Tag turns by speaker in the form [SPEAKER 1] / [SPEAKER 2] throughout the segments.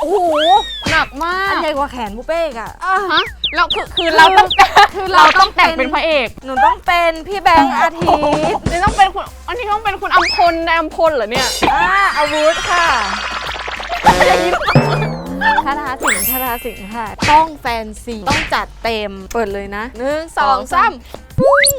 [SPEAKER 1] อ้โหหนักมาก
[SPEAKER 2] อันใหญ่กว่าแขนปูเป้อะ
[SPEAKER 1] ฮะเราคือเราต้องแต่งเป็นพระเอก
[SPEAKER 2] หนูต้องเป็นพี่แบงค์อาทิตย์
[SPEAKER 1] นี่ต้องเป็นคุณอันนี้ต้องเป็นคุณอัมพลในอัมพลเหรอเนี่ย
[SPEAKER 2] อาวุธค่ะคาถาสิงค่ะต้องแฟนซีต้องจัดเต็มเปิดเลยนะ1 2 3ปุ้ง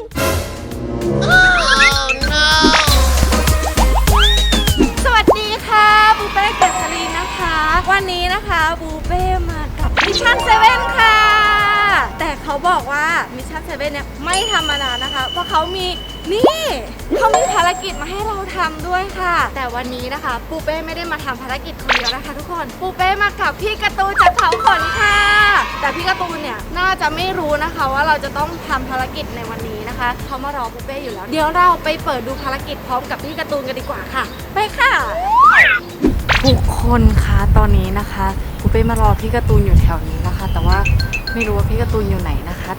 [SPEAKER 2] สวัสดีค่ะปูเป้เกษรีนะคะวันนี้นะคะปูเป้มากับมิชชั่น7ค่ะแต่เขาบอกว่ามิชชั่น7เนี่ยไม่ธรรมดานะคะเพราะเขามีภารกิจมาให้เราทำด้วยค่ะแต่วันนี้นะคะปูเป้ไม่ได้มาทำภารกิจคนเดียวนะคะทุกคนปูเป้มากับพี่การ์ตูนจากเขาขนค่ะแต่พี่การ์ตูนเนี่ยน่าจะไม่รู้นะคะว่าเราจะต้องทำภารกิจในวันนี้นะคะเขามารอปูเป้อยู่แล้วเดี๋ยวเราไปเปิดดูภารกิจพร้อมกับพี่การ์ตูนกันดีกว่าค่ะไปค่ะทุกคนคะตอนนี้นะคะปูเป้มารอพี่การ์ตูนอยู่แถวนี้นะคะแต่ว่าไม่รู้ว่าพี่การ์ตูนอยู่ไหนนะคะ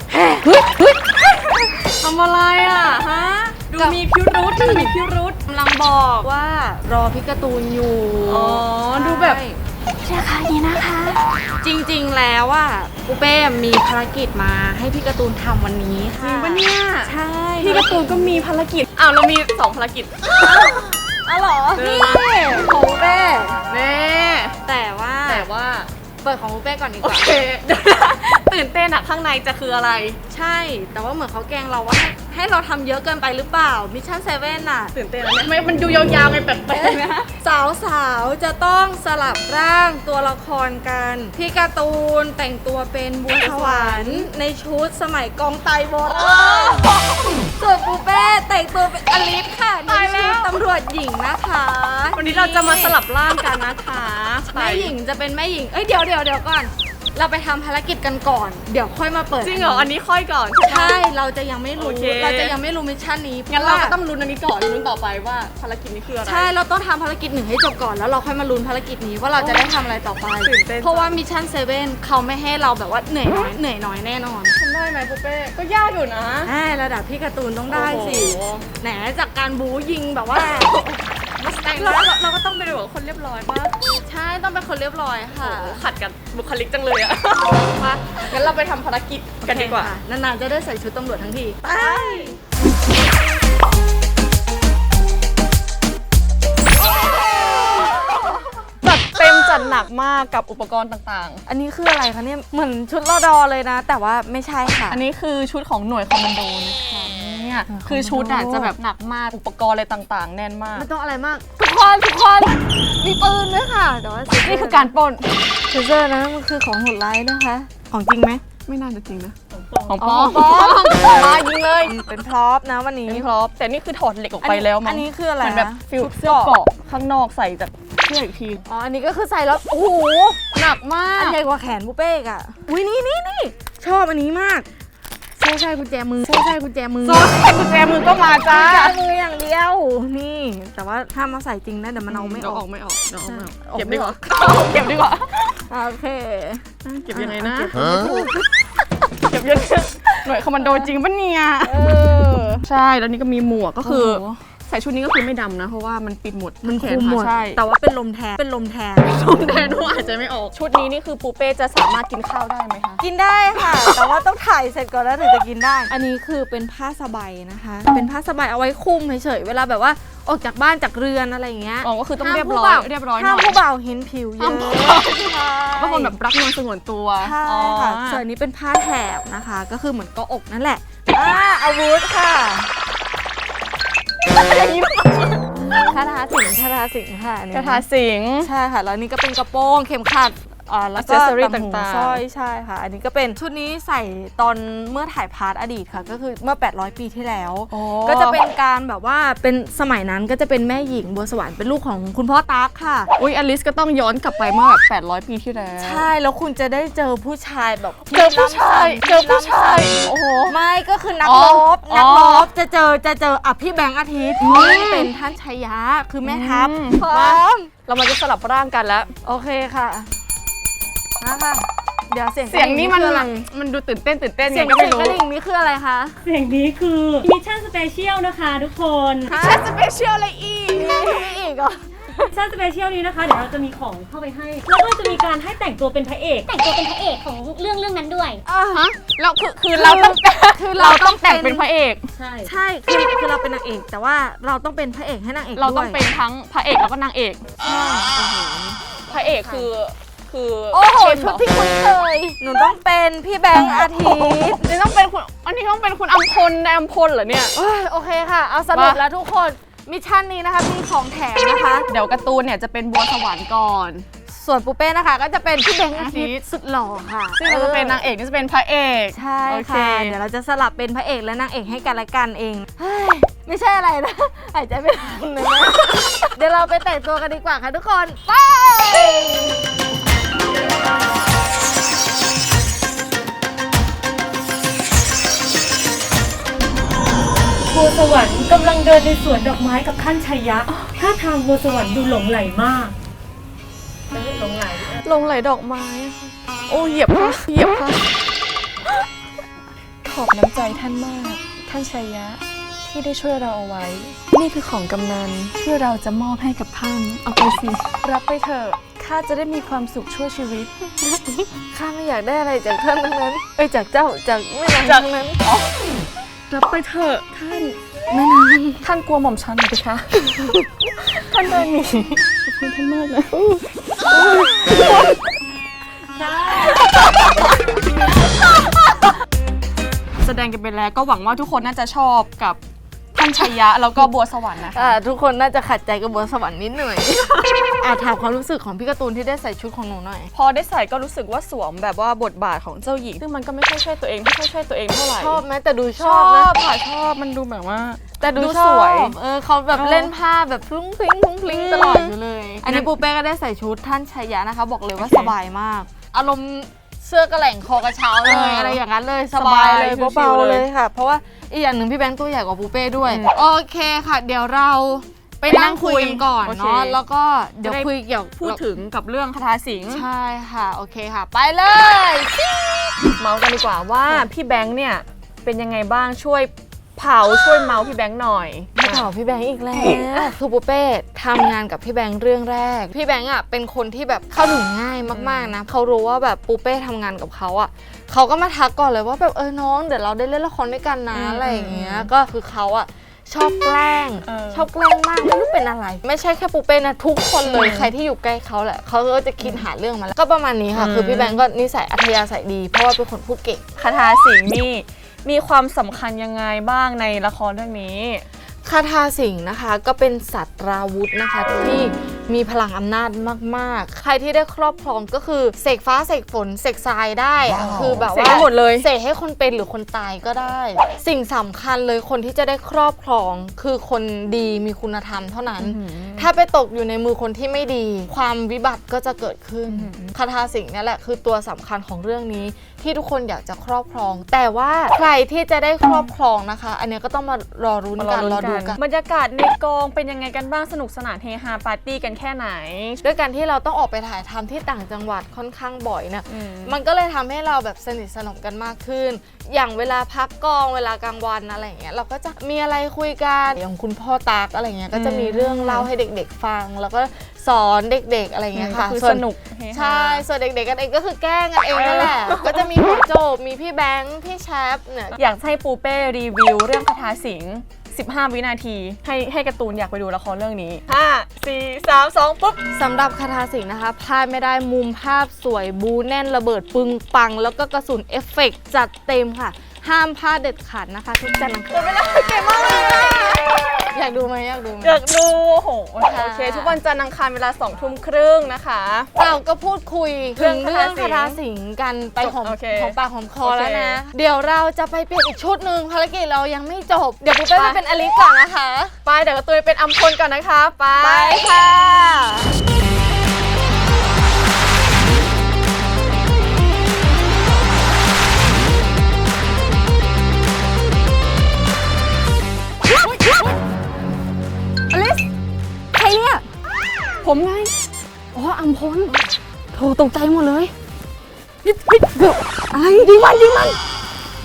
[SPEAKER 1] ทำอะไรอ่ะฮะดูมีพิรุธ
[SPEAKER 2] กำลังบอกว่ารอพี่การ์ตูนอยู่
[SPEAKER 1] อ๋อดูแบบ
[SPEAKER 2] ใช่ค่ะนี่นะคะจริงๆแล้วอ่ะปูเป้มีภารกิจมาให้พี่การ์ตูนทำวันนี้ค่ะ
[SPEAKER 1] จริงปะเนี่ย
[SPEAKER 2] ใช่
[SPEAKER 1] พี่การ์ตูนก็มีภารกิจเรามี2ภารกิจ
[SPEAKER 2] อ๋อเหรอนี่ของปูเป้แต่ว่าเปิดของปูเป้ก่อนดีกว่า
[SPEAKER 1] ตื่นเต้นอะข้างในจะคืออะไร
[SPEAKER 2] ใช่แต่ว่าเหมือนเขาแกล้งเราว่าให้เราทำเยอะเกินไปหรือเปล่ามิชชั่น7น่ะ
[SPEAKER 1] ตื่นเต้นแล้วเนี่ยมันดูยาวๆไงแปลกๆนะ
[SPEAKER 2] สาวๆจะต้องสลับร่างตัวละครกันพี่การ์ตูนแต่งตัวเป็นบุญถวรรค์ในชุดสมัยกองไตโบราณส่วนปูเป้แต่งตัวเป็นอลิสค่ะในชุดตำรวจหญิงนะคะ
[SPEAKER 1] วันนี้เราจะมาสลับร่างกันนะคะ
[SPEAKER 2] แม่หญิงจะเป็นแม่หญิงเดี๋ยวก่อนเราไปทำภารกิจกันก่อนเดี๋ยวค่อยมาเปิด
[SPEAKER 1] จริงเหรออันนี้ค่อยก่อน
[SPEAKER 2] ใช่เราจะยังไม่รู้มิชชั่นนี้
[SPEAKER 1] งั้นเราก็ต้องลุ้นอันนี้ก่อนลุ้นต่อไปว่าภารกิจนี้คืออะไร
[SPEAKER 2] ใช่เราต้องทำภารกิจ1ให้จบก่อนแล้วเราค่อยมาลุ้นภารกิจนี้ว่าเราจะได้ทำอะไรต่อไปเพราะว่ามิชชั่น7เขาไม่ให้เราแบบว่าเหนื่อยน้อยแน่นอน
[SPEAKER 1] ทำได้ไหมปูเป้ก็ยากอยู่นะ
[SPEAKER 2] ระดับพี่การ์ตูนต้องได้สิแหนจากการบู๊ยิงแบบว่า
[SPEAKER 1] เราก็ต้องเป็นแบบคนเรียบร้อยป่ะ
[SPEAKER 2] ใช่ต้องเป็นคนเรียบร้อยค่ะ
[SPEAKER 1] ขัดกับบุคลิกจังเลยอะมางั้นเราไปทำภารกิจกันดีกว่าน
[SPEAKER 2] านๆจะได้ใส่ชุดตำรวจทั้งทีไป
[SPEAKER 1] จัดเต็มจัดหนักมากกับอุปกรณ์ต่าง
[SPEAKER 2] ๆอันนี้คืออะไรคะเนี่ยเหมือนชุดรดเลยนะแต่ว่าไม่ใช่ค่ะ
[SPEAKER 1] อันนี้คือชุดของหน่วยคอมมานโดนะคะเนี่ยคือชุดจะแบบหนักมากอุปกรณ์อะไรต่างๆแน่นมาก
[SPEAKER 2] ไม่ต้องอะไรมากทุกคนมีปืนด้วยค่ะแต่ว่า
[SPEAKER 1] นี่คือการปล้น
[SPEAKER 2] เซอร์นะมันคือของโหดร้ายนะคะของจริงไหม
[SPEAKER 1] ไม่น่าจะจริงนะของปลอมมายิงเลย
[SPEAKER 2] เป็นพร็อพนะวันนี้
[SPEAKER 1] เป็นพร็อพแต่นี่คือถอดเหล็กออกไปแล้วมั้ง
[SPEAKER 2] อันนี้คืออะไร
[SPEAKER 1] เหมือนแบบฟิลเสื้อเกาะข้างนอกใส่จากเสื้ออีกที
[SPEAKER 2] อันนี้ก็คือใส่แล้วโอ้โห
[SPEAKER 1] หนักมาก
[SPEAKER 2] อันใหญ่กว่าแขนปูเป้อะอุ้ยนี่ชอบอันนี้มากใช่กุญแจมือกุญแจมือ
[SPEAKER 1] ก็มาจ้า
[SPEAKER 2] กุญแจมืออย่างเดียวนี่แต่ว่าถ้ามาใส่จริงนะเดี๋ยวมันเอาไม่ออก
[SPEAKER 1] เก็บดีกว่า
[SPEAKER 2] โอเค
[SPEAKER 1] เก็บยังไงนะเก็บยังหน่วยคอมมานโดจริงปะเนี่ยใช่แล้วนี่ก็มีหมวกก็คือใส่ชุดนี้ก็คือไม่ดำนะเพราะว่ามันปิดหมด
[SPEAKER 2] มันคุมหมดใช่แต่ว่าเป็นลมแทน
[SPEAKER 1] ว่าอาจจะไม่ออกชุดนี้นี่คือปูเป้จะสามารถกินข้าวได้ไหมคะ
[SPEAKER 2] กินได้ค่ะแต่ว่าต้องถ่ายเสร็จก่อนแล้วถึงจะกินได้อันนี้คือเป็นผ้าสบายนะคะเป็นผ้าสบายเอาไว้คลุมเฉยๆเวลาแบบว่าออกจากบ้านจากเรือนอะไรอย่างเงี้ย
[SPEAKER 1] ก็คือต้องเรียบร้อย
[SPEAKER 2] ห้ามผู้บ่าวเห็นผิวเยอะ
[SPEAKER 1] บางคนแบบรักนวลสงวนตัว
[SPEAKER 2] ใช่ค่ะส่วนนี้เป็นผ้าแถบนะคะก็คือเหมือนเกาะอกนั่นแหละอาวุธค่ะคาถาสิงค่ะ
[SPEAKER 1] คาถาสิง
[SPEAKER 2] ใช่ค่ะแล้วนี่ก็เป็นกระโปรงเข็มขัดแล้วก็ต่างๆสร้อยใช่ค่ะอันนี้ก็เป็นชุดนี้ใส่ตอนเมื่อถ่ายพาร์ทอดีตค่ะก็คือเมื่อ800 ปีที่แล้วก็จะเป็นการแบบว่าเป็นสมัยนั้นก็จะเป็นแม่หญิงบัวสวรรค์เป็นลูกของคุณพ่อตั๊กค่ะ
[SPEAKER 1] อุ๊ยอลิสก็ต้องย้อนกลับไปเมื่อแบบ800 ปีที่แล้ว
[SPEAKER 2] ใช่แล้วคุณจะได้เจอผู้ชายแบบ
[SPEAKER 1] เจอผู้ชาย
[SPEAKER 2] โอ้โหไม่ก็คือนักรบจะเจอพี่แบงค์อาทิตย์นี่เป็นท่านชัยยะคือแม่ทัพพร้อม
[SPEAKER 1] เรามาจะสลับร่างกันแล้ว
[SPEAKER 2] โอเคค่ะนะคะเดี๋ยวเสี
[SPEAKER 1] ยงนี้มันดูตื่นเต้น
[SPEAKER 2] เสียงกระดิ่งนี้คืออะไรคะ
[SPEAKER 3] เสียงนี้คือมิชชั่นสเปเชียลนะคะทุกคน
[SPEAKER 1] มิชชั่นสเปเชียลอะไรอีก
[SPEAKER 2] เหรอ
[SPEAKER 3] ชั่นสเปเชียลนี้นะคะเดี๋ยวเราจะมีของเข้าไปให้แล้วก็จะมีการให้แต่งตัวเป็นพระเอกของเรื่องนั้นด้วย
[SPEAKER 1] ฮะแล้วคือเราต้องเราต้องแต่งเป็นพระเอก
[SPEAKER 3] ใช่
[SPEAKER 2] ใช่คือเราเป็นนางเอกแต่ว่าเราต้องเป็นพระเอกให้นางเอก
[SPEAKER 1] เราต้อง
[SPEAKER 2] ด้วย
[SPEAKER 1] เป็นทั้งพระเอกแล้วก็นางเอกพระเอกคือ
[SPEAKER 2] โอ้โห
[SPEAKER 1] เข้ม
[SPEAKER 2] ชุด
[SPEAKER 1] เร
[SPEAKER 2] ที่คุ้นเคยหนูต้องเป็นพี่แบงค์อาทิตย์
[SPEAKER 1] นี่ต้องเป็นคุณอันนี้ต้องเป็นคุณอัมพลในอัมพลเหรอเนี่ย
[SPEAKER 2] โอเคค่ะเอาสรุปแล้วทุกคนมิชชั่นนี้นะคะมีของแถมนะคะ
[SPEAKER 1] เดี๋ยวการ์ตูนเนี่ยจะเป็นบัวสวรรค์ก่อน
[SPEAKER 2] ส่วนปูเป้นะคะก็จะเป็นพี่แบงค์อาทิตย์สุดหล่อค่ะ
[SPEAKER 1] ซึ่งเราจะเป็นนางเอกนี่จะเป็นพระเอก
[SPEAKER 2] ใช่
[SPEAKER 1] โอเค
[SPEAKER 2] ค่ะเดี๋ยวเราจะสลับเป็นพระเอกและนางเอกให้กันและกันเองเฮ้ยไม่ใช่อะไรนะหายใจไม่ทันเลยนะเดี๋ยวเราไปแต่งตัวกันดีกว่าค่ะทุกคนไป
[SPEAKER 3] บัวสวรรค์กำลังเดินในสวนดอกไม้กับท่านชัยยะท่าทางบัวสวรรค์ดูหลงไหลมากหลงไหล
[SPEAKER 1] ลงไหลดอกไม้โอ้เหยียบค่ะขอบน้ำใจท่านมากท่านชัยยะที่ได้ช่วยเราเอาไว้ นี่คือของกำนันที่เราจะมอบให้กับท่านเอาไปสิรับไปเถอะข้าจะได้มีความสุขชั่วชีวิต
[SPEAKER 2] ข้าไม่อยากได้อะไรจากท่านทั้งนั้นจากเจ้าจากแม่นางทั้งนั้น
[SPEAKER 1] รับไปเถอะท่านแม่นางท่านกลัวหม่อมฉันไหมคะ ท่านเดินหนีขอบคุณท่านมากนะแสดงกันไปแล้วก็หวังว่าทุกคนน่าจะชอบกับท่านชัยยะแล้วก็บัวสวรรค์นะคะ
[SPEAKER 2] ทุกคนน่าจะขัดใจกับบัวสวรรค์นิดหน่อย ถามความรู้สึกของพี่การ์ตูนที่ได้ใส่ชุดของหนูหน่อย
[SPEAKER 1] พอได้ใส่ก็รู้สึกว่าสวมแบบว่าบทบาทของเจ้าหญิงซึ่งมันก็ไม่ค่อยใช่ตัวเองไม่ค่อยใช่ตัวเองเท่าไหร่
[SPEAKER 2] ชอบไหมแต่ดูช
[SPEAKER 1] ช
[SPEAKER 2] อ
[SPEAKER 1] อ
[SPEAKER 2] บบ นะ
[SPEAKER 1] ค่ะชอบมันดูแบบว่า
[SPEAKER 2] แต่ดู
[SPEAKER 1] ดู
[SPEAKER 2] ส
[SPEAKER 1] ส
[SPEAKER 2] ว
[SPEAKER 1] วย ย
[SPEAKER 2] เขาแบบเล่นผ้าแบบพลุ้งพลิ้งพลุ้งพลิ้งตลอดอยู่เลย อันนี้ปูเป้ก็ได้ใส่ชุดท่านชัยยะนะคะ บอกเลยว่าสบายมาก อารมณ์เสื้อกระแหล่งคอกระเช้าเลยอะไรอย่างนั้นเลยสบายเลย
[SPEAKER 1] ชิวๆ
[SPEAKER 2] เบา
[SPEAKER 1] เลย
[SPEAKER 2] ๆเลยค่ะ เพราะว่าอีกอย่างหนึ่งพี่แบงค์ตัวใหญ่กว่าปูเป้ด้วย โอเคค่ะ เดี๋ยวเราไปนั่งคุยกันก่อน
[SPEAKER 1] โอเค
[SPEAKER 2] เนาะแล้วก็เดี๋ยวคุยเกี่ยว
[SPEAKER 1] พูดถึงกับเรื่องคาถาสิงห์
[SPEAKER 2] ใช่ค่ะโอเคค่ะ ไปเลย
[SPEAKER 1] เมาส์กันดีกว่าว่าพี่แบงค์เนี่ยเป็นยังไงบ้างช่วยช่วยเมาส์พี่แบงค์หน่อย
[SPEAKER 2] มาต่อพี่แบงค์อีกแล้วคือปูเป้ทำงานกับพี่แบงค์เรื่องแรกพี่แบงค์อ่ะเป็นคนที่แบบเข้าถึงง่ายมากๆนะเขารู้ว่าแบบปูเป้ทำงานกับเขาอ่ะเขาก็มาทักก่อนเลยว่าแบบน้องเดี๋ยวเราได้เล่นละครด้วยกันนะอะไรอย่างเงี้ยก็คือเขาอ่ะชอบแกล้งชอบแกล้งมากไม่รู้เป็นอะไร ไม่ใช่แค่ปูเป้นะทุกคนเลยใครที่อยู่ใกล้เขาแหละเขาก็จะคิดหาเรื่องมาแล้วก็ประมาณนี้ค่ะคือพี่แบงค์ก็นิสัยอัธยาศัยดีเพราะว่าเป็นคนพูดเก่ง
[SPEAKER 1] คาถาสิงห์นี่มีความสำคัญยังไงบ้างในละครเรื่องนี้
[SPEAKER 2] คาถาสิงห์นะคะก็เป็นสัตราวุธนะคะที่มีพลังอำนาจมากๆ ใครที่ได้ครอบครองก็คือเสกฟ้าเสกฝนเสกทรายได้อะคือแบบ
[SPEAKER 1] เสก
[SPEAKER 2] ว่า
[SPEAKER 1] ได้หมดเลย
[SPEAKER 2] เสกให้คนเป็นหรือคนตายก็ได้ สิ่งสำคัญเลยคนที่จะได้ครอบครองคือคนดีมีคุณธรรมเท่านั้น ถ้าไปตกอยู่ในมือคนที่ไม่ดี ความวิบัติก็จะเกิดขึ้นคาถาสิงห์นี่แหละคือตัวสำคัญของเรื่องนี้ที่ทุกคนอยากจะครอบครอง แต่ว่าใครที่จะได้ครอบครองนะคะ อันนี้ก็ต้องมารอรุ้นกันรอดูกัน
[SPEAKER 1] บรรยากาศในกองเป็นยังไงกันบ้างสนุกสนานเฮฮาปาร์ตี้กันแค่ไหน
[SPEAKER 2] ด้วยการที่เราต้องออกไปถ่ายทำที่ต่างจังหวัดค่อนข้างบ่อยเนี่ยมันก็เลยทำให้เราแบบสนิทสนมกันมากขึ้น อย่างเวลาพักกองเวลากลางวันอะไรอย่างเงี้ยเราก็จะมีอะไรคุยกันอย่างคุณพ่อตากอะไรเงี้ยก็จะมีเรื่องเล่าให้เด็กๆฟัง แล้วก็สอนเด็กๆอะไรเงี้ยค่ะ
[SPEAKER 1] คือ
[SPEAKER 2] ส่ว
[SPEAKER 1] สนุกเฮฮา
[SPEAKER 2] ใช่ส่วนเด็กๆกันเองก็คือแกล้งกันเองนั่นแหละก็จะมีหัวโจบมีพี่แบงค์พี่แชปเนี่ย
[SPEAKER 1] อยากให้ปูเป้รีวิวเรื่องคาถาสิงห์15 วินาทีให้การ์ตูนอยากไปดูละครเรื่องนี้5 4 3 2ปุ๊บ
[SPEAKER 2] สำหรับคาถาสิงห์นะคะพลาดไม่ได้มุมภาพสวยบูแน่นระเบิดปึงปัง แล้วก็กระสุนเอฟเฟกต์จัดเต็มค่ะ ห้ามพลาดเด็ดขาดนะคะ ทุกจันทร์อังคาร
[SPEAKER 1] เวลาเก่งมากเลย
[SPEAKER 2] อยากดูไหมอยากดูไหม
[SPEAKER 1] อยากดูโอ้โห
[SPEAKER 2] ค่ะ
[SPEAKER 1] โอเค ทุกวันจันทร์อังคารเวลา2 ทุ่มครึ่งนะคะ
[SPEAKER 2] เราก็พูดคุยถึงเรื่อง
[SPEAKER 1] เรื่อง
[SPEAKER 2] คา
[SPEAKER 1] คา
[SPEAKER 2] ถา
[SPEAKER 1] ถาสิ
[SPEAKER 2] สิ
[SPEAKER 1] ง
[SPEAKER 2] ง
[SPEAKER 1] ห์
[SPEAKER 2] ห์กันไปหอม
[SPEAKER 1] โอเค
[SPEAKER 2] ของปากหอมคอ
[SPEAKER 1] โอเค
[SPEAKER 2] แล้วนะ เดี๋ยวเราจะไปเปลี่ยนอีกชุดหนึ่งภารกิจเรายังไม่จบ เดี๋ยวปุ๊บเป้ไปเป็นอลิสก่อนนะคะ
[SPEAKER 1] ไปเดี๋ยวการ์ตูนเป็นอัมพลก่อนนะคะไป
[SPEAKER 2] ไปค่ะ
[SPEAKER 1] อลิสใครเนี่ย ผมไง อ๋ออัมพลโถตกใจหมดเลยเกือบอะไรยิงมัน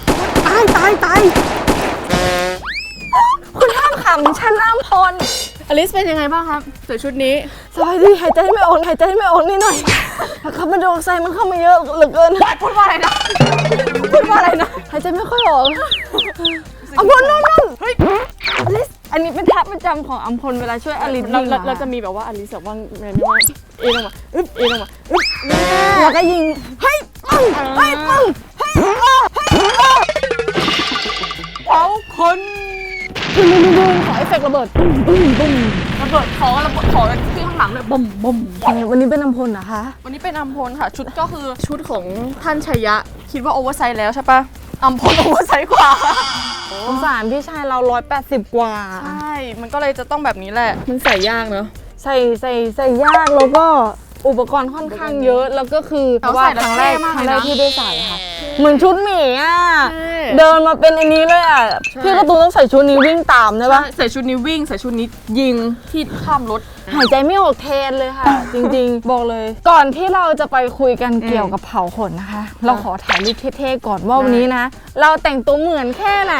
[SPEAKER 1] ตายคุณห้ามขำฉันอัมพลออลิสเป็นยังไงบ้างครับสวยชุดนี้
[SPEAKER 2] สบายดีหายใจไม่ออกนิดหน่อยคาร์บอนไดออกไซด์มันเข้ามาเยอะเหลือเกิน
[SPEAKER 1] พูดว่าอะไรนะ
[SPEAKER 2] หายใจไม่ค่อยออกอัมพลนู่นเฮ้ยอลิสอันนี้เป็นท่าประจำของอัมพลเวลาช่วยอลิสยิง
[SPEAKER 1] เราจะมีแบบว่าอลิสแบบว่าไงไม่ว่าเอ็นออกมาอึ๊บเอ็นออกมาอึ๊บ
[SPEAKER 2] แล้วก็ยิงเฮ้ยปังเฮ้ยปังเฮ้ย
[SPEAKER 1] เขาคน
[SPEAKER 2] ดูขอเอฟเฟกต์ระเบิด
[SPEAKER 1] ระเบิดขอที่ข้างหลังเลยบ่มบ่ม
[SPEAKER 2] วันนี้เป็นอัมพลนะคะ
[SPEAKER 1] วันนี้เป็นอัมพลค่ะชุดก็คือชุดของท่านชัยยะคิดว่าโอเวอร์ไซส์แล้วใช่ปะอัมพลโอเวอร์ไซส์กว่า
[SPEAKER 2] สงสารพี่ชายเรา180กว่า
[SPEAKER 1] ใช่มันก็เลยจะต้องแบบนี้แหละมันใส่ยากเนอะ
[SPEAKER 2] ใส่ยากแล้วก็อุปกรณ์ค่อนข้างเยอะแล้วก็คือว่าครั้งแรกที่ได้ใส่ค่ะเหมือนชุดหมีอ่ะเดินมาเป็นอันนี้เลยอ่ะพี่การ์ตูนต้องใส่ชุดนี้วิ่งตามใช่ปะ
[SPEAKER 1] ใส่ชุดนี้วิ่งใส่ชุดนี้ยิงที่ข้ามรถ
[SPEAKER 2] หายใจไม่ออกแทนเลยค่ะ จริงๆ บอกเลย ก่อนที่เราจะไปคุยกันเกี่ยวกับเผาขนนะคะ เราขอถ่ายรูปเท่ๆก่อนว่าวันนี้นะ เราแต่งตัวเหมือนแค่ไหน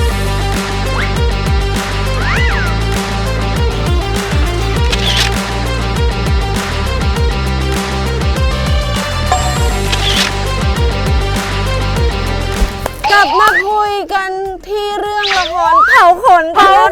[SPEAKER 2] กลับมาคุยกันที่เรื่องละครเผาขน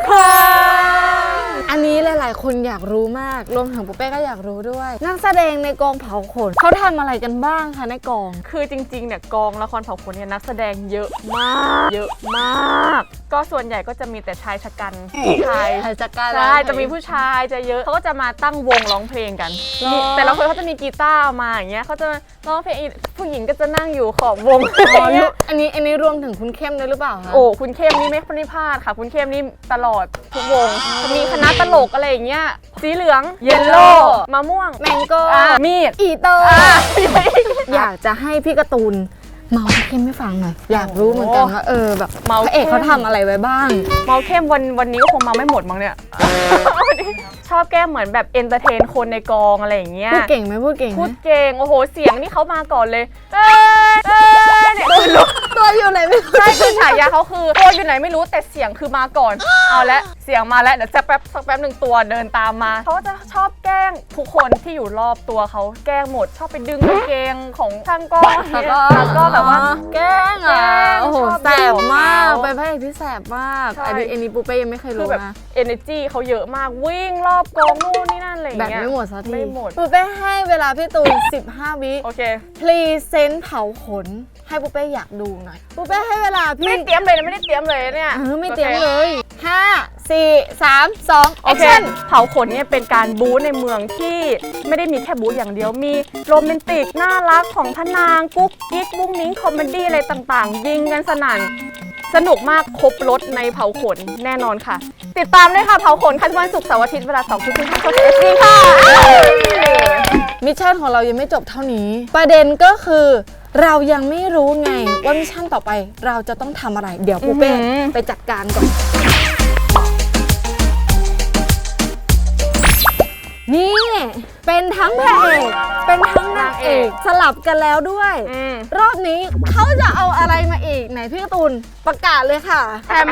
[SPEAKER 2] อันนี้หลายๆคนอยากรู้มากรวมถึงปุ๊เป้ก็อยากรู้ด้วย นักแสดงในกองเผาขนเขาทำอะไรกันบ้างคะในกอง
[SPEAKER 1] คือจริงๆเนี่ยกองละครเผาขนเนี่ยนักแสดงเยอะมาก ก็ส่วนใหญ่ก็จะมีแต่ชายชะกันผู้ชาย
[SPEAKER 2] ชายชะกัน
[SPEAKER 1] ใช่จะมีผู้ชายจะเยอะเขาก็จะมาตั้งวงร้องเพลงกันแต่ละคนเขาจะมีกีตาร์มาอย่างเงี้ยเขาจะร้องเพลงผู้หญิงก็จะนั่งอยู่ขอบวง
[SPEAKER 2] อันนี้รวมถึงคุณเข้มด้วยหรือเปล่าคะ
[SPEAKER 1] โอ้คุณเข้มนี่ไม่พลาดค่ะคุณเข้มนี่ตลอดทุกวงจะมีคณะตลกอะไรอย่างเงี้ยสีเหลืองเยลโล่มะม่วง
[SPEAKER 2] แมงโก้
[SPEAKER 1] มีด
[SPEAKER 2] อีโตอยากจะให้พี่การ์ตูนเมาพี่เข้มให้ฟังหน่อยอยากรู้เหมือนกันว่าแบบพระเอกเขาทำอะไรไว้บ้าง
[SPEAKER 1] เมาเข้มวันนี้ก็คงเมาไม่หมดมั้งเนี่ย ชอบแก้เหมือนแบบเอนเตอร์เทนคนในกองอะไรอย่างเงี้ย
[SPEAKER 2] พูดเก่งไหมพูดเก่งไห
[SPEAKER 1] พู
[SPEAKER 2] ม
[SPEAKER 1] ดเก่งโอ้โหเสียงนี่เขามาก่อนเลยเนี่ยคือ
[SPEAKER 2] ตัวอยู่ไหนไม่รู้
[SPEAKER 1] ใช่คือฉายาเขาคือตัวอยู่ไหนไม่รู้แต่เสียงคือมาก่อนเอาละเสียงมาแล้วเดี๋ยวสักแป๊บหนึ่งตัวเดินตามมาเขาจะชอบแกล้งทุกคนที่อยู่รอบตัวเขาแกล้งหมดชอบไปดึงกางเกงของช่างกล้องแล้วก็แบบว่า
[SPEAKER 2] แกล้งอ่ะโอ้โห
[SPEAKER 1] ชอบ
[SPEAKER 2] แสบมาก
[SPEAKER 1] แซว
[SPEAKER 2] เป็นพระเอกที่แสบมาก
[SPEAKER 1] ใช่
[SPEAKER 2] อันนี้ปูเป้ยังไม่เคย
[SPEAKER 1] คือ
[SPEAKER 2] รู้
[SPEAKER 1] แบบ
[SPEAKER 2] นะ
[SPEAKER 1] energy เขาเยอะมากวิ่งรอบกองนู่นนี่นั่นอะไรอย่าง
[SPEAKER 2] แบบ
[SPEAKER 1] เงี้ย
[SPEAKER 2] ไม่หมดสักที
[SPEAKER 1] ไม่หมด
[SPEAKER 2] ปูเป้ให้เวลาพี่ตูน 15 วิ
[SPEAKER 1] โอเค
[SPEAKER 2] พรีเซนต์เผาขน ให้ปูเป้อยากดูหน่อยปูเป้ให้เวลาพี่
[SPEAKER 1] ไม่ได้เตรียมเลยนะไม่ได้เตรียมเลยเนี่ย
[SPEAKER 2] ไม่เตรียมเลย 5 4 3 2
[SPEAKER 1] โอเค
[SPEAKER 2] action
[SPEAKER 1] เผาขนเนี่ยเป็นการบู๊ในเมืองที่ไม่ได้มีแค่บู๊อย่างเดียวมีโรแมนติกน่ารักของพระนางกุ๊กกิ๊กมุ้งมิ้งคอมเมดี้อะไรต่างๆ ยิงกันสนั่นสนุกมากครบรถในเผาขนแน่นอนค่ะ ติดตามด้วยค่ะเผาขนคันวันศุกร์เสาร์อาทิตย์เวลา2 ทุ่มทางช่อง SD ค่ะ
[SPEAKER 2] มิชชั่นของเรายังไม่จบเท่านี้ ประเด็นก็คือเรายังไม่รู้ไงว่ามิชชั่นต่อไปเราจะต้องทำอะไร เดี๋ยวปูเป้ไปจัดการก่อน นี่เป็นทั้งพระเอกเป็นทั้งนางเอกสลับกันแล้วด้วย รอบนี้เขาจะเอาอะไรมาอีกไหนพี่การ์ตูนประกาศเลยค่ะ
[SPEAKER 1] แถม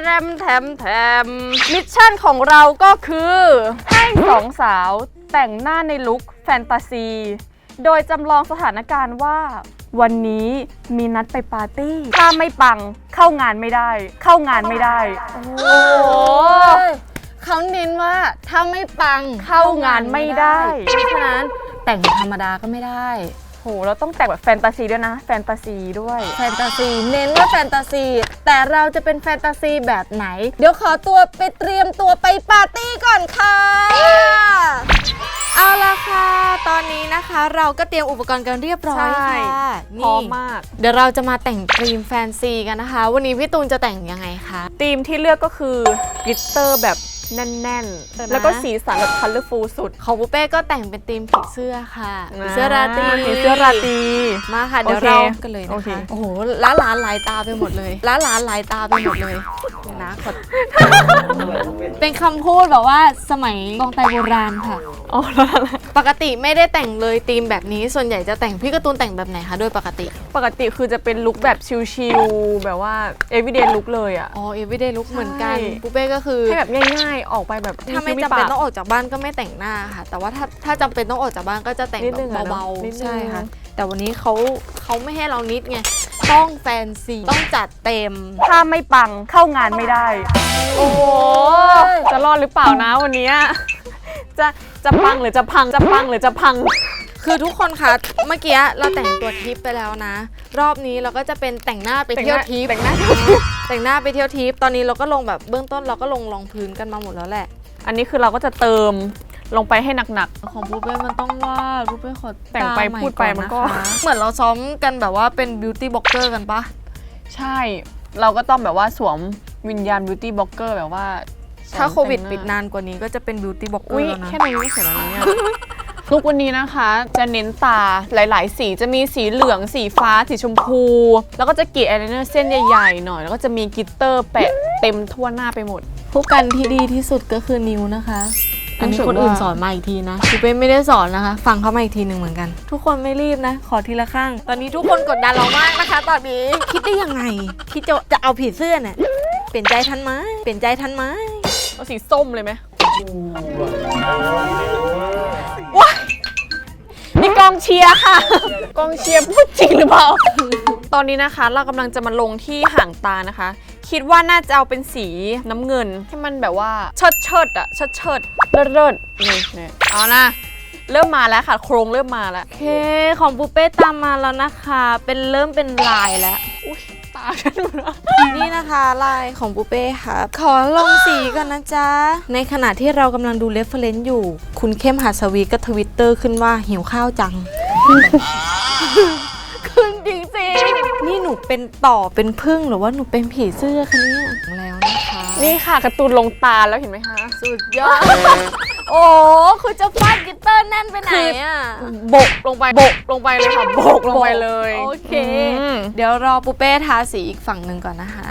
[SPEAKER 1] มิชชั่นของเราก็คือให้สองสาวแต่งหน้าในลุคแฟนตาซี โดยจำลองสถานการณ์ว่า วันนี้มีนัดไปปาร์ตี้ถ้าไม่ปังเข้างานไม่ได้ โอ้โห
[SPEAKER 2] เขาเน้นว่าถ้าไม่ปัง
[SPEAKER 1] เข้างานไม่ได้
[SPEAKER 2] เพราะฉะนั้นแต่งธรรมดาก็ไม่ได้
[SPEAKER 1] โหเราต้องแต่งแบบแฟนตาซีด้วยนะแฟนตาซีด้วย
[SPEAKER 2] แฟนตาซีเน้นว่าแฟนตาซีแต่เราจะเป็นแฟนตาซีแบบไหน เดี๋ยวขอตัวไปเตรียมตัวไปปาร์ตี้ก่อนค่ะ เอาละค่ะ ตอนนี้นะคะเราก็เตรียมอุปกรณ์กันเรียบร้อย
[SPEAKER 1] ใช่
[SPEAKER 2] ค่ะ
[SPEAKER 1] พร้อมมาก
[SPEAKER 2] เดี๋ยวเราจะมาแต่งธีมแฟนซีกันนะคะ วันนี้พี่ตูนจะแต่งยังไงคะ
[SPEAKER 1] ธีมที่เลือกก็คือกลิตเตอร์แบบแน่นๆ แล้วก็สีสันแบบคัลเลอร์ฟูลสุด
[SPEAKER 2] ของปุเป้ก็แต่งเป็นธีมผีเสื้อค่ะผีเสื้อราตรี
[SPEAKER 1] ผีเสื้อราตรี
[SPEAKER 2] มาค่ะเดี๋ยว
[SPEAKER 1] โอเค
[SPEAKER 2] เรากันเลย
[SPEAKER 1] โอ
[SPEAKER 2] นะ
[SPEAKER 1] เค
[SPEAKER 2] คะโอ้โหล้านหลายตาไปหมดเลยล้านหลายตาไปหมดเลยเดี๋ยวนะขอ เป็นคำพูดแบบว่าสมัยกองไตโบราณค่ะ
[SPEAKER 1] อ๋อแล้ว
[SPEAKER 2] ปกติไม่ได้แต่งเลยธีมแบบนี้ส่วนใหญ่จะแต่งพี่การ์ตูนแต่งแบบไหนคะโดยปกติ
[SPEAKER 1] ปกติคือจะเป็นลุคแบบชิลๆแบบว่า everyday look เลยอ่ะ
[SPEAKER 2] อ๋อ everyday look เหมือนกัน
[SPEAKER 1] ใช่
[SPEAKER 2] ปุเป้ก็คือ
[SPEAKER 1] ให้แบบง่ายออกไปแบบ
[SPEAKER 2] ถ้าไม่จำเป็นต้องออกจากบ้านก็ไม่แต่งหน้าค่ะ แต่ว่าถ้าจำเป็นต้องออกจากบ้านก็จะแต่ง
[SPEAKER 1] นิดนึง
[SPEAKER 2] แบบเบา
[SPEAKER 1] นิดนึง
[SPEAKER 2] ๆใช่ค่ะ แต่วันนี้เขาไม่ให้เรานิดไงต้องแฟนซีต้องจัดเต็ม
[SPEAKER 1] ถ้าไม่ปังเข้างานไม่ได้ โอ้โหจะรอดหรือเปล่านะวันนี้จะปังหรือจะพังจะปังหรือจะพัง
[SPEAKER 2] คือทุกคนคะเมื่อกี้เราแต่งตัวทิปไปแล้วนะ รอบนี้เราก็จะเป็นแต่งหน้าไปเที่ยวทิป
[SPEAKER 1] แต่งหน้า
[SPEAKER 2] แต่งหน้าไปเที่ยวทิปตอนนี้เราก็ลงแบบเบื้องต้นเราก็ลงรองพื้นกันมาหมดแล้วแหละ
[SPEAKER 1] อันนี้คือเราก็จะเติมลงไปให้หนัก
[SPEAKER 2] ของปูเป้มันต้องว่าปูเป้ขอ
[SPEAKER 1] แต่งไป
[SPEAKER 2] ตาให
[SPEAKER 1] พูดไปมันก็
[SPEAKER 2] ะคะเหมือนเราซ้อมกันแบบว่าเป็นบิวตี้บล็อกเกอร์กันปะ
[SPEAKER 1] ๆ ใช่ เราก็ต้องแบบว่าสวมวิญญาณบิวตี้บล็อกเกอร์แบบว่า
[SPEAKER 2] ถ้าโควิด
[SPEAKER 1] แต่งหน้
[SPEAKER 2] ปิดนานกว่านี้ก็จะเป็นบิวตี้บล็อกเกอ
[SPEAKER 1] อุ้ย
[SPEAKER 2] ร์แล้วนะ
[SPEAKER 1] แค่นี้ไม่เสร็จแล้วนะเนี่ย ลุกวันนี้นะคะจะเน้นตาหลายๆ สีจะมีสีเหลืองสีฟ้าสีชมพู แล้วก็จะกรีดอายไลเนอร์เส้นใหญ่ๆหน่อยแล้วก็จะมีกลิตเตอร์แปะเต็มทั่วหน้าไปหมด
[SPEAKER 2] ผู้กันที่ดีที่สุดก็คือนิวนะคะ อันนี้
[SPEAKER 1] รู้สึก
[SPEAKER 2] คนอื่น
[SPEAKER 1] ว่า
[SPEAKER 2] สอนมาอีกทีนะปูเป้ไม่ได้สอนนะคะ ฟังเขามาอีกทีหนึ่งเหมือนกัน ทุกคนไม่รีบนะ ขอทีละข้าง ตอนนี้ทุกคนกดดันเรามากนะคะ ตอนนี้คิดได้ยังไงคิดจะเอาผีเสื้อเนี่ยเปลี่ยนใจทันไหมเปลี่ยนใจทันไหม
[SPEAKER 1] เอาสีส้มเลยไหมว้ายนี่กองเชียร์ค่ะ กองเชียร์พูดจริงหรือเปล่า ตอนนี้นะคะเรากำลังจะมาลงที่ห่างตานะคะ คิดว่าน่าจะเอาเป็นสีน้ำเงินให้มันแบบว่าเชิดอะเชิดเลิศนี่เอานะเริ่มมาแล้วค่ะ โครงเริ่มมาแล้ว
[SPEAKER 2] โอเคของปูเป้ตามมาแล้วนะคะ เริ่มเป็นลายแล้ว
[SPEAKER 1] อุ้ยตาฉันหมดแล้ว
[SPEAKER 2] นี่นะคะลายของปูเป้ค่ะขอลงสีก่อนนะจ๊ะ ในขณะที่เรากำลังดูเรฟเฟรนซ์อยู่ คุณเข้มหัสวีก็ทวิตเตอร์ขึ้นว่าหิวข้าวจัง ขึ้นจริงๆนี่หนูเป็นต่อเป็นพึ่งหรือว่าหนูเป็นผีเสื้อคะเนี่ยแล้วนะคะ
[SPEAKER 1] นี่ค่ะการ์ตูนลงตาแล้วเห็นไหมคะ
[SPEAKER 2] สุดยอด โอ้คือจะฟาดกิตเตอร์แน่นไปไหนอ่ะ
[SPEAKER 1] บกลงไปเลยค่ะบกลงไปเลย
[SPEAKER 2] โอเค
[SPEAKER 1] อืม
[SPEAKER 2] เดี๋ยวรอปูเป้ทาสีอีกฝั่งหนึ่งก่อนนะคะ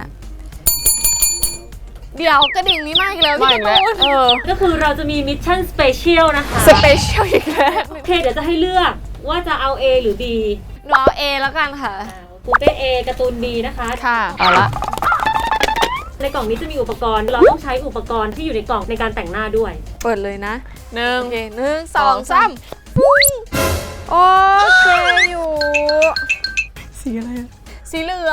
[SPEAKER 2] เดี๋ยวกระดิ่งนี้มาอีกแล้ว
[SPEAKER 1] ไม่
[SPEAKER 2] พี่
[SPEAKER 1] แล้ว
[SPEAKER 2] ตูน
[SPEAKER 3] ก็คือเราจะมีมิชชั่นสเปเชียลนะคะ
[SPEAKER 1] สเปเชียลอีกแล้ว
[SPEAKER 3] โอเคเดี๋ยวจะให้เลือกว่าจะเอา A หรือ B
[SPEAKER 2] หนูเอา A แล้วกันค่ะ
[SPEAKER 3] ปูเป้ A การ์ตูน B นะคะ
[SPEAKER 1] ค่ะเอาละ
[SPEAKER 3] ในกล่องนี้จะมีอุปกรณ์ เราต้องใช้อุปกรณ์ที่อยู่ในกล่องในการแต่งหน้าด้วย
[SPEAKER 2] เปิดเลยนะ
[SPEAKER 1] หนึ่ง
[SPEAKER 2] โอเค1 2 3ปุ้งโอเคอยู่
[SPEAKER 1] สีอะไรอะ
[SPEAKER 2] สีเหลือง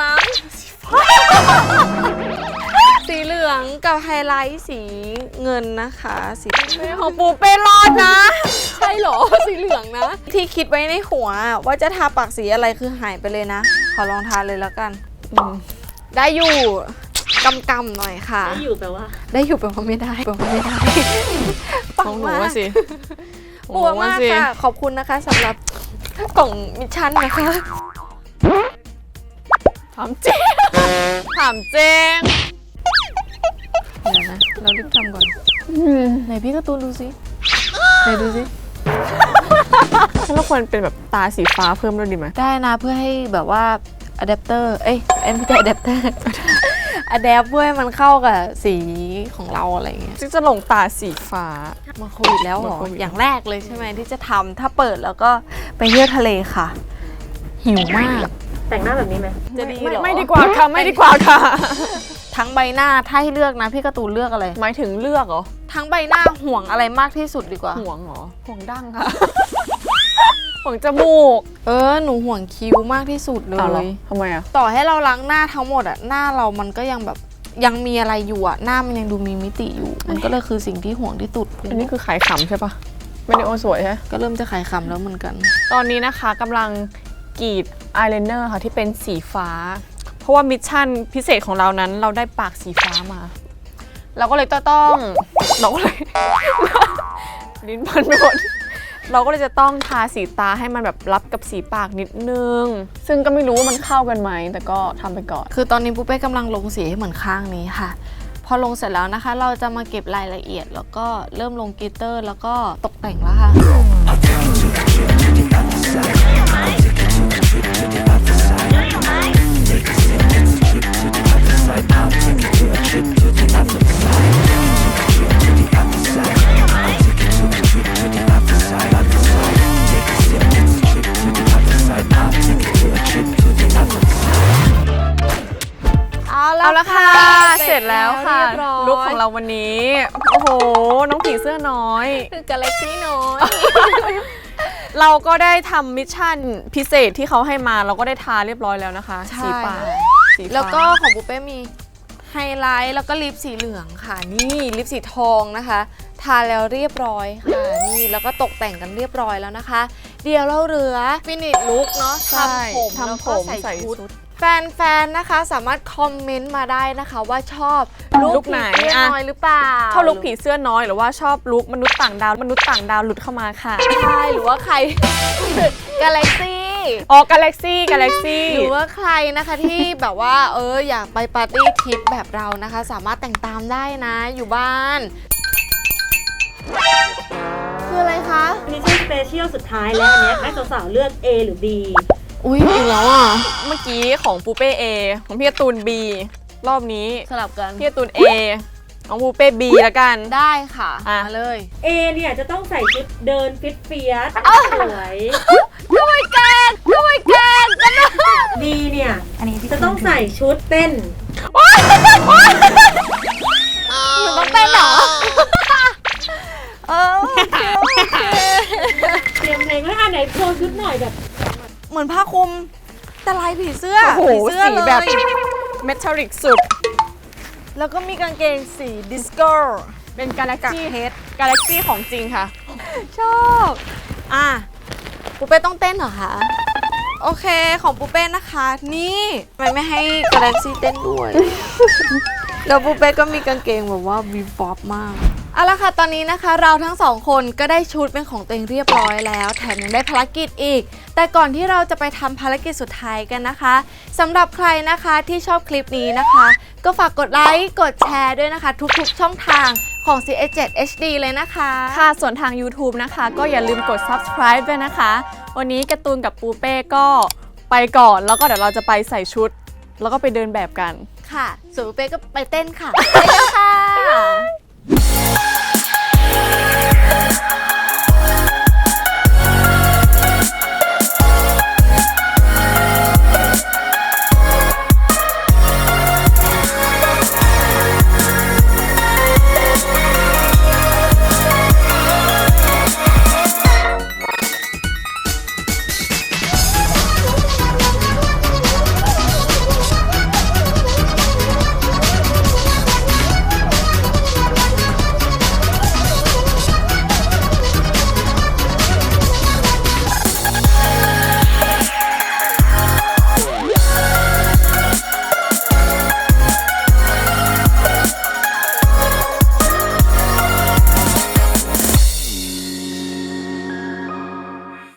[SPEAKER 2] สีเหลืองกับไฮไลท์สีเงินนะคะสี
[SPEAKER 1] ของปูเป้รอดนะ
[SPEAKER 2] ใช่เหรอ สีเหลืองนะ ที่คิดไว้ในหัวว่าจะทาปากสีอะไรคือหายไปเลยนะ ขอลองทาเลยแล้วกัน ได้อยู่กำๆหน่อยค่ะ
[SPEAKER 3] ได้อยู่แปลว่า
[SPEAKER 2] ได้อยู่แปลว่าไม่ได้แปลว่าไม่ได้
[SPEAKER 1] ของหนูว่าสิ
[SPEAKER 2] ปัวมากค่ะ ขอบคุณนะคะสำหรับกล่องมิชชั่นนะคะ
[SPEAKER 1] ถามเจ๊ถามเจ๊
[SPEAKER 2] เดี๋ยวนะ เรารีบทำก่อน ไหนพี่การ์ตูนดูสิไหนดูสิ
[SPEAKER 1] เราควรเป็นแบบตาสีฟ้าเพิ่มด้วยดีไหม
[SPEAKER 2] ได้นะเพื่อให้แบบว่าอะแดปเตอร์ไม่ใช่อะแดปเตอร์อะแดปเพื่อให้มันเข้ากับสีของเราอะไรอย่างเงี้ย
[SPEAKER 1] ซึ่งจะลงตาสีฟ้า
[SPEAKER 2] มาโควิดแล้วเหรอ
[SPEAKER 1] มาโควิด
[SPEAKER 2] อย่างแรกเลยใช่ไหมที่จะทำถ้าเปิดแล้วก็ไปเที่ยวทะเลค่ะ หิวมาก
[SPEAKER 3] แต่งหน้าแบบนี้ไหม
[SPEAKER 2] จะดีเหรอ
[SPEAKER 1] ไม่ดีกว่าค่ะไม่ดีกว่าค่ะ
[SPEAKER 2] ทั้งใบหน้าถ้าให้เลือกนะพี่การ์ตูนเลือกอะไร
[SPEAKER 1] หมายถึงเลือกเหรอ
[SPEAKER 2] ทั้งใบหน้าห่วงอะไรมากที่สุดดีกว่า
[SPEAKER 1] ห่วงเหรอห่วงดั้งค่ะ ห่วงจมูก
[SPEAKER 2] หนูห่วงคิ้วมากที่สุดเล
[SPEAKER 1] เอาเหรอย ทำไมอ่ะ
[SPEAKER 2] ต่อให้เราล้างหน้าทั้งหมดอะหน้าเรามันก็ยังแบบยังมีอะไรอยู่อะหน้ามันยังดูมีมิติอยู่ มันก็เลยคือสิ่งที่ห่วงที่สุด
[SPEAKER 1] อันนี้คือขายขำใช่ปะไม่ได้โอสวยใช่
[SPEAKER 2] ก็เริ่มจะขายคำแล้วเหมือนกัน
[SPEAKER 1] ตอนนี้นะคะกำลังกรีดอายไลเนอร์ค่ะที่เป็นสีฟ้า เพราะว่ามิชชั่นพิเศษของเรานั้นเราได้ปากสีฟ้ามา เราก็เลยต้องเราก็เลย ลิ้นพันไปหมดเราก็เลยจะต้องทาสีตาให้มันแบบรับกับสีปากนิดนึง ซึ่งก็ไม่รู้ว่ามันเข้ากันไหมแต่ก็ทำไปก่อน
[SPEAKER 2] คือตอนนี้ปุ๊เป้กำลังลงสีให้เหมือนข้างนี้ค่ะ พอลงเสร็จแล้วนะคะ เราจะมาเก็บรายละเอียด แล้วก็เริ่มลงกลิตเตอร์ แล้วก็ตกแต่งแล้วค่ะ เอาละค่ะ เสร็จ
[SPEAKER 1] ร็จแล้วค่ะ
[SPEAKER 2] เรียบร้อย
[SPEAKER 1] ลุคของเราวันนี้ โอ้โห น้องผีเสื้อน้อย
[SPEAKER 2] คือกาแล็กซี่น้อย
[SPEAKER 1] เราก็ได้ทำมิชชั่นพิเศษที่เขาให้มาเราก็ได้ทาเรียบร้อยแล้วนะคะ
[SPEAKER 2] ใช่
[SPEAKER 1] สีปากสีฟ้า
[SPEAKER 2] แล้วก็ของบุฟเป้มีไฮไลท์แล้วก็ลิปสีเหลืองค่ะ นี่ลิปสีทองนะคะ ทาแล้วเรียบร้อยค่ะนี่แล้วก็ตกแต่งกันเรียบร้อยแล้วนะคะ เดี๋ยวเราเหลือฟินิชลุคเนาะ
[SPEAKER 1] ใช่
[SPEAKER 2] ทำผมแล้ว
[SPEAKER 1] ทำผ
[SPEAKER 2] ก็
[SPEAKER 1] ม
[SPEAKER 2] ใส่
[SPEAKER 1] ใส่
[SPEAKER 2] ชุด
[SPEAKER 1] ชุด
[SPEAKER 2] แฟนๆนะคะสามารถคอมเมนต์มาได้นะคะว่าชอบ
[SPEAKER 1] ลุคไหน
[SPEAKER 2] ผีเสื้อ
[SPEAKER 1] อะ
[SPEAKER 2] น้อยหรือเปล่า
[SPEAKER 1] ชอบลุคผีเสื้อน้อยหรือว่าชอบลุคมนุษย์ต่างดาวหลุดเข้ามาค่ะ
[SPEAKER 2] ใช่หรือว่าใคร กาแล็กซี่
[SPEAKER 1] อ๋อกาแล็กซี่
[SPEAKER 2] หรือว่าใครนะคะที่แบบว่าอยากไปปาร์ตี้ทริปแบบเรานะคะ สามารถแต่งตามได้นะอยู่บ้าน คืออะไรคะ
[SPEAKER 3] มิชชั่นสเปเชียลสุดท้ายแล้วอันเนี้ยให้สาวๆเลือก A หรือ B
[SPEAKER 2] อุ้ยอีกแล้วอ่ะ
[SPEAKER 1] เมื่อกี้ของปูเป้ A ของพี่การ์ตูน B รอบนี้
[SPEAKER 2] สลับกัน
[SPEAKER 1] พี่การ์ตูน A ของปูเป้ B ละกัน
[SPEAKER 2] ได้ค่ะ
[SPEAKER 1] อ่ะ
[SPEAKER 2] มาเลย
[SPEAKER 3] A เนี่ยจะต้องใส่ชุดเดินฟิตเฟียสสวย
[SPEAKER 2] ด้วยกันกันนะ
[SPEAKER 3] B เนี่ยจะต้องใส่ชุดเต้น
[SPEAKER 2] หนูต้องเต้นเหรอโอเค
[SPEAKER 3] เตรียมเพลงไว้ไหนโชว์ชุดหน่อยแบบ
[SPEAKER 2] เหมือนผ้าคลุมแต่ลายผีเสื้อ
[SPEAKER 1] โอ้โห
[SPEAKER 2] ผีเสื้อ
[SPEAKER 1] สีแบบ
[SPEAKER 2] เลย
[SPEAKER 1] เมทัลลิกสุด
[SPEAKER 2] แล้วก็มีกางเกงสีดิสโก้
[SPEAKER 1] เป็นกาแล็ก
[SPEAKER 2] กับ
[SPEAKER 1] ซี่
[SPEAKER 2] เพชร
[SPEAKER 1] กาแล็กซี่ของจริงค่ะ
[SPEAKER 2] ชอบอ่ะปูเป้ต้องเต้นเหรอคะโอเคของปูเป้นะคะ นี่ทำไมไม่ให้กาแล็กซี่เต้นด้วย แล้วปูเป้ก็มีกางเกงแบบว่าวีฟอปมากเอาละค่ะตอนนี้นะคะเราทั้งสองคนก็ได้ชุดเป็นของตัวเองเรียบร้อยแล้วแถมยังได้ภารกิจอีก แต่ก่อนที่เราจะไปทำภารกิจสุดท้ายกันนะคะสำหรับใครนะคะที่ชอบคลิปนี้นะคะ ก็ฝากกดไลค์กดแชร์ด้วยนะคะ ทุกๆช่องทางของ CS7 HD เลยนะคะ
[SPEAKER 1] ค่ะส่วนทาง YouTube นะคะ ก็อย่าลืมกด subscribe ด้วยนะคะ วันนี้การ์ตูนกับปูเป้ก็ไปก่อน แล้วก็เดี๋ยวเราจะไปใส่ชุด แล้วก็ไปเดินแบบกัน
[SPEAKER 2] ค่ะส่วนปูเป้ก็ไปเต้นค่ะ ไปกันค่ะ